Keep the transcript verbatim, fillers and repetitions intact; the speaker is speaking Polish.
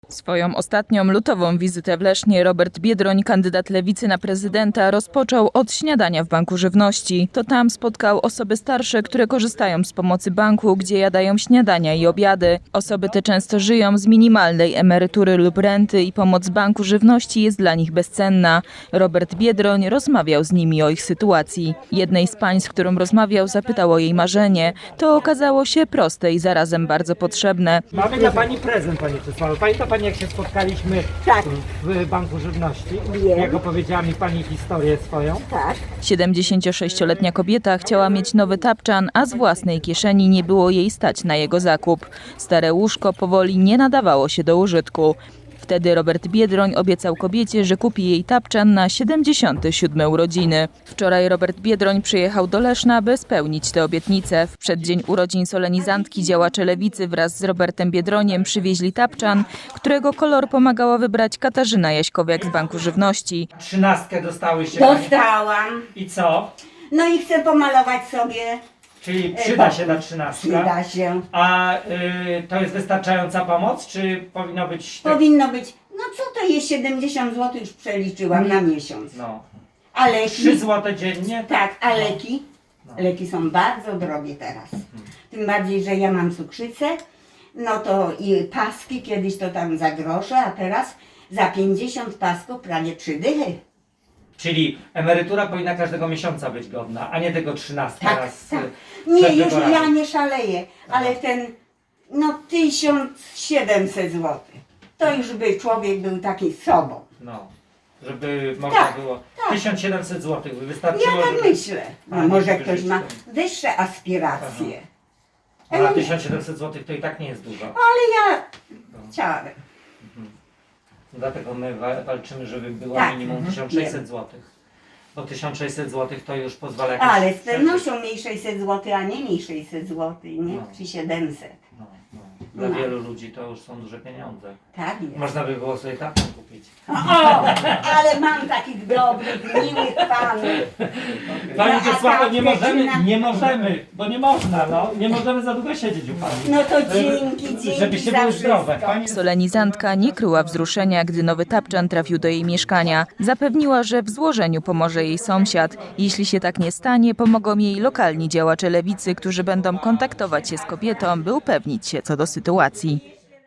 Swoją ostatnią lutową wizytę w Lesznie Robert Biedroń, kandydat Lewicy na prezydenta, rozpoczął od śniadania w Banku Żywności. To tam spotkał osoby starsze, które korzystają z pomocy banku, gdzie jadają śniadania i obiady. Osoby te często żyją z minimalnej emerytury lub renty i pomoc Banku Żywności jest dla nich bezcenna. Robert Biedroń rozmawiał z nimi o ich sytuacji. Jednej z pań, z którą rozmawiał, zapytał o jej marzenie. To okazało się proste i zarazem bardzo potrzebne. Mamy dla Pani prezent, Pani przysłała. Pamięta Pani, jak się spotkaliśmy Tak. w Banku Żywności? Wiem. Jak opowiedziała mi Pani historię swoją? Tak. siedemdziesięciosześcioletnia kobieta chciała mieć nowy tapczan, a z własnej kieszeni nie było jej stać na jego zakup. Stare łóżko powoli nie nadawało się do użytku. Wtedy Robert Biedroń obiecał kobiecie, że kupi jej tapczan na siedemdziesiąte siódme urodziny. Wczoraj Robert Biedroń przyjechał do Leszna, by spełnić tę obietnicę. W przeddzień urodzin solenizantki działacze Lewicy wraz z Robertem Biedroniem przywieźli tapczan, którego kolor pomagała wybrać Katarzyna Jaśkowiak z Banku Żywności. Trzynastkę dostałyście Pani. Dostałam. I co? No i chcę pomalować sobie. Czyli przyda się ta trzynastka. Przyda się. A y, to jest wystarczająca pomoc, czy powinno być... tak- Powinno być. No co to jest siedemdziesiąt złotych, już przeliczyłam na miesiąc. No. A leki? trzy złote dziennie? Tak, a leki? Leki są bardzo drogie teraz. Tym bardziej, że ja mam cukrzycę. No to i paski, kiedyś to tam za grosze, a teraz za pięćdziesiąt pasków prawie trzy dychy. Czyli emerytura powinna każdego miesiąca być godna, a nie tego trzynastka Tak, raz tak. y, Nie, przed już wyborami. ja nie szaleję, ale ten, no tysiąc siedemset złotych, to już by człowiek był taki sobą. No, żeby można Tak, było... tak. tysiąc siedemset złotych by wystarczyło, Ja tak żeby... myślę. A, No, nie, może żeby ktoś żyć ma tym. wyższe aspiracje. A Ale, na nie, tysiąc siedemset złotych to i tak nie jest dużo. ale ja chciałabym. Dlatego my wa- walczymy, żeby było Tak. minimum Mhm. tysiąc sześćset złotych. Bo tysiąc sześćset złotych to już pozwala jakoś... Ale z pewnością mniej sześćset złotych, a nie mniej sześćset złotych, nie? No. Czy siedemset. No, no. Dla No. wielu ludzi to już są duże pieniądze. Tak jest. Można by było sobie taką kupić. O, ale mam takich dobrych, miłych panów. Pani No, a Czesławo, nie kawkę możemy, czy na- nie możemy, bo nie można, no. Nie możemy za długo siedzieć u Pani. No to dzięki, dzięki Żebyście za były wszystko. zdrowe. Pani... Solenizantka nie kryła wzruszenia, gdy nowy tapczan trafił do jej mieszkania. Zapewniła, że w złożeniu pomoże jej sąsiad. Jeśli się tak nie stanie, pomogą jej lokalni działacze Lewicy, którzy będą kontaktować się z kobietą, by upewnić się co do sytuacji.